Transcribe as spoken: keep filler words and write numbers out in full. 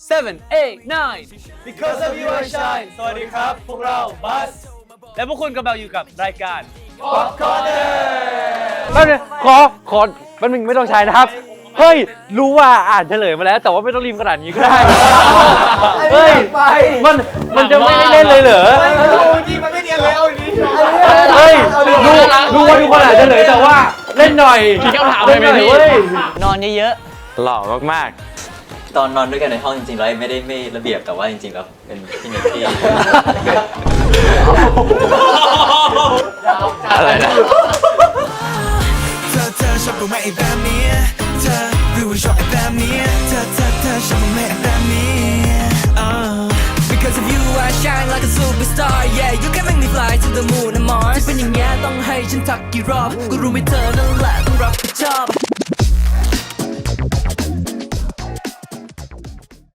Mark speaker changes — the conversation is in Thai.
Speaker 1: seven eight nine
Speaker 2: Because of you I shine สวัสดีครับพวกเราบัสและพวกคุณกำลังอยู่กับรายการ Pop Corner
Speaker 3: แป๊บนึงขอขอแป๊บนึงไม่ต้องใช้นะครับเฮ้ยรู้ว่าอ่านเฉลยมาแล้วแต่ว่าไม่ต้องรีบขนาดนี้ก็ได้เฮ้ยมันมันจะไม่ได้เล่นเลยเหรอ
Speaker 2: นี่มันไม่เนียนเลยเอาอย่างนี้
Speaker 3: เฮ้ยรู้รู้ว่าทุกคนอ่านเฉลยแต่ว่าเล่นหน่อย
Speaker 1: มีคำถามอะไรไหมพี่
Speaker 3: เว้ย
Speaker 1: นอนเยอะ
Speaker 3: หล่อมาก
Speaker 4: ตอนนอนด้วยกันในห้องจริงๆแล้วไม่ได้ไม่ระเบียบแต่ว่าจริงๆแล้วเป็นพี่เนตตี้
Speaker 3: อะไรนะ
Speaker 5: เธอเธอชอบกูไหมไอ้แบบนี้เธอรู้ว่าชอบไอ้แบบนี้เธอเธอเธอชอบกูไหมไอ้แบบนี้ Because of you I shine like a superstar Yeah you can make me fly to the moon and Mars จะเป็นอย่างเงี้ยต้องให้ฉันทักกี่รอบก็รู้ไม่เธอนั่นแหละต้องรับผิดชอบ